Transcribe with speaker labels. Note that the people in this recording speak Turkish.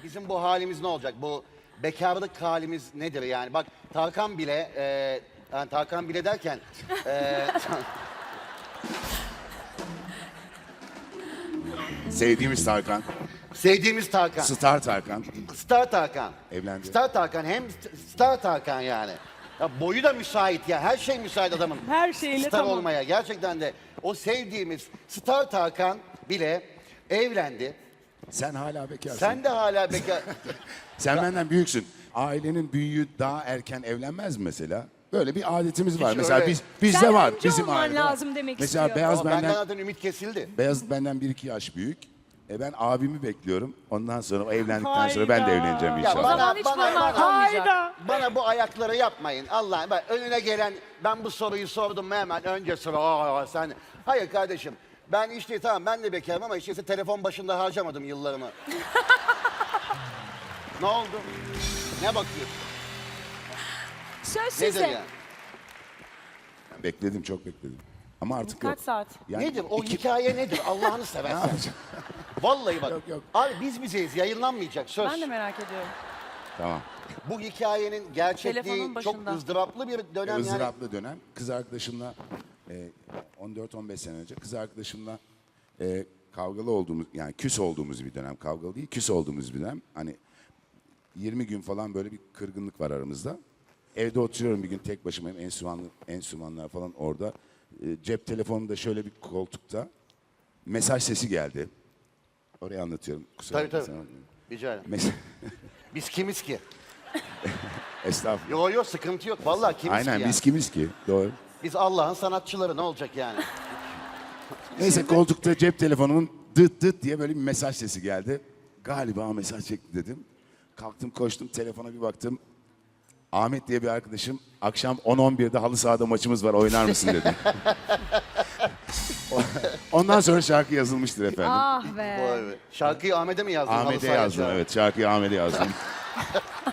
Speaker 1: bizim bu halimiz ne olacak? Bu bekarlık halimiz nedir yani? Bak Tarkan bile, yani Tarkan bile derken...
Speaker 2: Sevdiğimiz Tarkan.
Speaker 1: sevdiğimiz Tarkan.
Speaker 2: Star Tarkan.
Speaker 1: Star Tarkan.
Speaker 2: Evlendi.
Speaker 1: Star Tarkan hem Star Tarkan yani. Ya boyu da müsait ya. Her şey müsait adamın.
Speaker 3: Her şeyle
Speaker 1: Star
Speaker 3: tamam.
Speaker 1: olmaya. Gerçekten de o sevdiğimiz Star Tarkan bile evlendi.
Speaker 2: Sen hala bekarsın.
Speaker 1: Sen de hala bekar.
Speaker 2: Sen benden büyüksün. Ailenin büyüğü daha erken evlenmez mi mesela? Böyle bir adetimiz var.
Speaker 1: Hiç
Speaker 2: Mesela
Speaker 1: öyle.
Speaker 2: bizde
Speaker 3: Sen
Speaker 2: var.
Speaker 3: önce
Speaker 2: Bizim
Speaker 3: olman
Speaker 2: ailede var.
Speaker 3: lazım demek
Speaker 2: Mesela
Speaker 3: istiyor.
Speaker 2: Beyaz
Speaker 1: Ama benden
Speaker 2: benden
Speaker 1: zaten ümit kesildi.
Speaker 2: Beyaz benden 1-2 yaş büyük. Ben abimi bekliyorum. Ondan sonra o evlendikten sonra ben de
Speaker 3: Hayda.
Speaker 2: evleneceğim
Speaker 1: Ya
Speaker 2: inşallah.
Speaker 4: zaman hiç bunlar olmayacak.
Speaker 3: Hayda.
Speaker 1: Bana bu ayakları yapmayın. Allah'ım bak önüne gelen ben bu soruyu sordum mu hemen önce sıra sen. Hayır kardeşim. Ben işte tamam ben de bekarım ama işte telefon başında harcamadım yıllarımı. Ne oldu? Ne bakıyorsun?
Speaker 4: Söz
Speaker 1: Nedir
Speaker 4: size.
Speaker 1: yani?
Speaker 2: Bekledim, çok bekledim. Ama artık
Speaker 4: Kaç
Speaker 2: yok.
Speaker 4: saat?
Speaker 2: Yani
Speaker 1: Nedir? O hikaye nedir? Allah'ını
Speaker 2: Ne
Speaker 1: seversen.
Speaker 2: yapacağım?
Speaker 1: Vallahi bak.
Speaker 2: Yok, yok.
Speaker 1: Abi biz bizeyiz. Yayınlanmayacak söz.
Speaker 4: Ben de merak ediyorum.
Speaker 2: Tamam.
Speaker 1: Bu hikayenin gerçekliği
Speaker 4: Telefonun
Speaker 1: çok
Speaker 4: başında.
Speaker 1: ızdıraplı bir dönem yani.
Speaker 2: Izdıraplı dönem. Kız arkadaşımla 14-15 sene önce kız arkadaşımla kavgalı olduğumuz, yani küs olduğumuz bir dönem. Kavgalı değil, küs olduğumuz bir dönem. Hani 20 gün falan böyle bir kırgınlık var aramızda. Evde oturuyorum bir gün tek başımayım. Enstrümanlar falan orada. Cep telefonumda şöyle bir koltukta mesaj sesi geldi. Oraya anlatıyorum. Kusura
Speaker 1: Tabii
Speaker 2: bakma
Speaker 1: tabii.
Speaker 2: sen-
Speaker 1: Rica ederim.
Speaker 2: Mes-
Speaker 1: Biz kimiz ki?
Speaker 2: Estağfurullah.
Speaker 1: Yo yo sıkıntı yok. Vallahi kimiz
Speaker 2: Aynen
Speaker 1: ki yani?
Speaker 2: biz kimiz ki? Doğru.
Speaker 1: Biz Allah'ın sanatçıları ne olacak yani?
Speaker 2: Neyse koltukta cep telefonumun dıt dıt diye böyle bir mesaj sesi geldi. Galiba mesaj çekti dedim. Kalktım koştum telefona bir baktım. Ahmet diye bir arkadaşım akşam 10-11'de halı sahada maçımız var oynar mısın dedi. Ondan sonra şarkı yazılmıştır efendim.
Speaker 4: Ah be.
Speaker 1: Vay be. Şarkıyı Ahmet'e mi yazdın?
Speaker 2: Ahmet'e
Speaker 1: Halı sahaya
Speaker 2: yazdım
Speaker 1: çağırdın?
Speaker 2: evet şarkıyı Ahmet'e yazdım.